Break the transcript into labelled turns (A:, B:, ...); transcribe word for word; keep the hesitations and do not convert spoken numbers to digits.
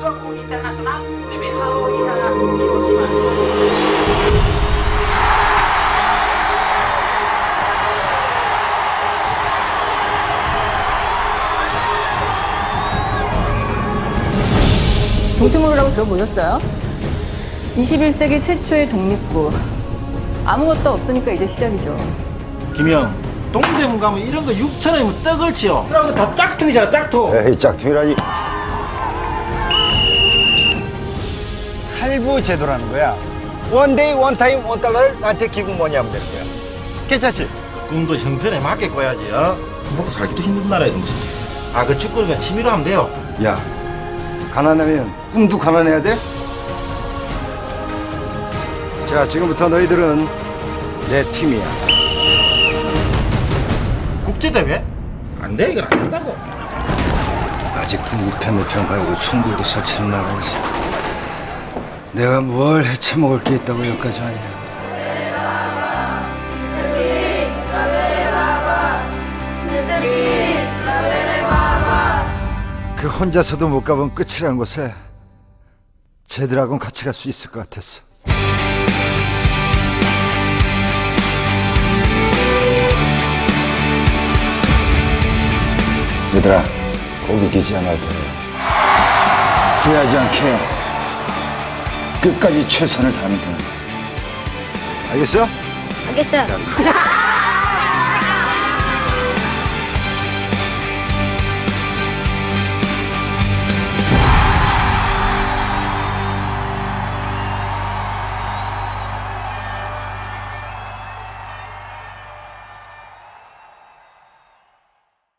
A: Suatu internasional D B H O I H Hiroshima.
B: 동트모르라고 들어보셨어요? 이십일 세기 최초의 독립구. 아무것도 없으니까 이제 시작이죠.
C: 김영, 동대문 가면 이런 거 육천 원이면 떡을 치요. 그런 거 다 짝퉁이잖아, 짝퉁.
D: 에이, 짝퉁이라니. 할부 제도라는 거야. 원 데이, 원 타임, 원 달러를 나한테 기부 뭐니 하면 되는 거야. 괜찮지?
C: 꿈도 형편에 맞게 꿔야지, 어? 먹고 살기도 힘든 나라에서 무슨. 아, 그 축구를 그냥 취미로 하면 돼요.
D: 야, 가난하면 꿈도 가난해야 돼? 자, 지금부터 너희들은 내 팀이야.
C: 국제대회? 안 돼, 이건 안 된다고.
D: 아직도 이편 내편 가지고 총 들고 설치는 나라지. 내가 뭘 해쳐먹을 게 있다고 여기까지 왔냐. 그 혼자서도 못 가본 끝이라는 곳에 쟤들하고는 같이 갈 수 있을 것 같았어. 얘들아, 거기 기지 않아도 돼. 후회하지 않게 끝까지 최선을 다하면 돼. 알겠어?
E: 알겠어요.